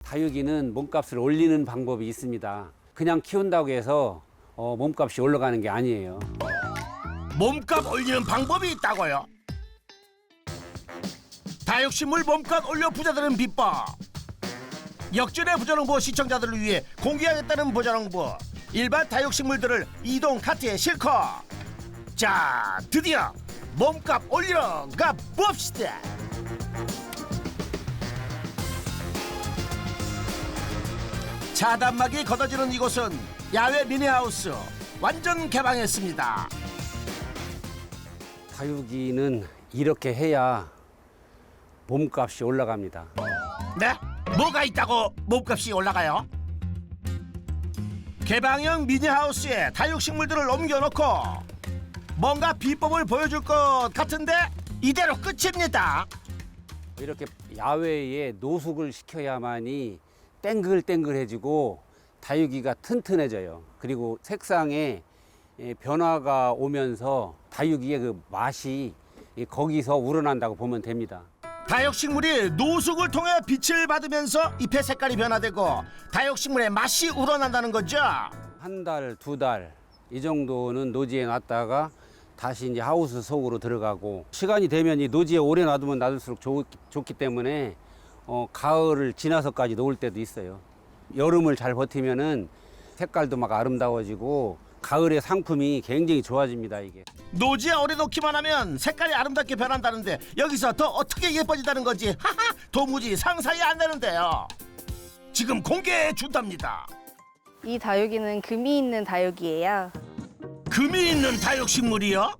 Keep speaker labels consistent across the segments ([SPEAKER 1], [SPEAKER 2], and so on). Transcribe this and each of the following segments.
[SPEAKER 1] 다육이는 몸값을 올리는 방법이 있습니다. 그냥 키운다고 해서 몸값이 올라가는 게 아니에요.
[SPEAKER 2] 몸값 올리는 방법이 있다고요? 다육식물 몸값 올려 부자 되는 비법. 역전의 부자농부 시청자들을 위해 공개하겠다는 부자농부. 일반 다육식물들을 이동 카트에 싣고 자, 드디어 몸값 올리러 가봅시다. 자단막이 걷어지는 이곳은 야외 미니하우스 완전 개방했습니다.
[SPEAKER 1] 다육이는 이렇게 해야 몸값이 올라갑니다.
[SPEAKER 2] 네? 뭐가 있다고 몸값이 올라가요? 개방형 미니하우스에 다육식물들을 옮겨놓고 뭔가 비법을 보여줄 것 같은데 이대로 끝입니다.
[SPEAKER 1] 이렇게 야외에 노숙을 시켜야만이 땡글땡글해지고 다육이가 튼튼해져요. 그리고 색상에 변화가 오면서 다육이의 그 맛이 거기서 우러난다고 보면 됩니다.
[SPEAKER 2] 다육식물이 노숙을 통해 빛을 받으면서 잎의 색깔이 변화되고 다육식물의 맛이 우러난다는 거죠.
[SPEAKER 1] 한 달, 두 달 이 정도는 노지에 놨다가 다시 이제 하우스 속으로 들어가고 시간이 되면 이 노지에 오래 놔두면 놔둘수록 좋기 때문에 가을을 지나서까지 놓을 때도 있어요. 여름을 잘 버티면은 색깔도 막 아름다워지고 가을의 상품이 굉장히 좋아집니다. 이게
[SPEAKER 2] 노지에 오래 놓기만 하면 색깔이 아름답게 변한다는데 여기서 더 어떻게 예뻐진다는 건지 하하 도무지 상상이 안 되는데요. 지금 공개해 준답니다.
[SPEAKER 3] 이 다육이는 금이 있는 다육이에요.
[SPEAKER 2] 금이 있는 다육식물이요?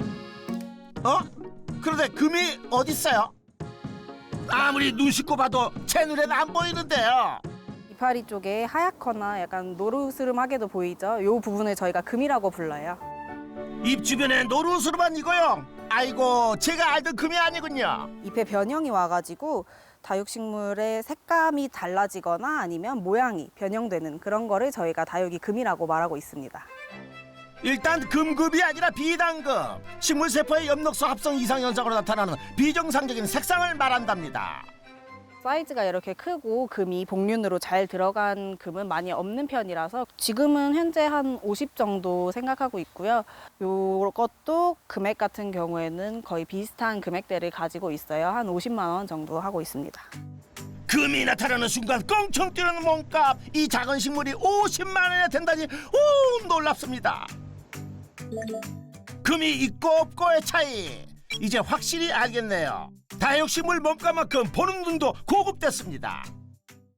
[SPEAKER 2] 그런데 금이 어딨어요? 아무리 눈 씻고 봐도 제 눈에는 안 보이는데요.
[SPEAKER 3] 이파리 쪽에 하얗거나 약간 노르스름하게도 보이죠? 이 부분을 저희가 금이라고 불러요.
[SPEAKER 2] 입 주변에 노루스름한 이거요. 아이고 제가 알던 금이 아니군요.
[SPEAKER 3] 잎에 변형이 와가지고 다육식물의 색감이 달라지거나 아니면 모양이 변형되는 그런 거를 저희가 다육이 금이라고 말하고 있습니다.
[SPEAKER 2] 일단 금급이 아니라 비단금. 식물세포의 엽록소 합성 이상 현상으로 나타나는 비정상적인 색상을 말한답니다.
[SPEAKER 3] 사이즈가 이렇게 크고 금이 복륜으로 잘 들어간 금은 많이 없는 편이라서 지금은 현재 한 50 정도 생각하고 있고요. 이것도 금액 같은 경우에는 거의 비슷한 금액대를 가지고 있어요. 한 50만 원 정도 하고 있습니다.
[SPEAKER 2] 금이 나타나는 순간 껑충 뛰는 몸값. 이 작은 식물이 50만 원이나 된다니 오 놀랍습니다. 금이 있고 없고의 차이 이제 확실히 알겠네요. 다육식물 몸값만큼 보는 눈도 고급됐습니다.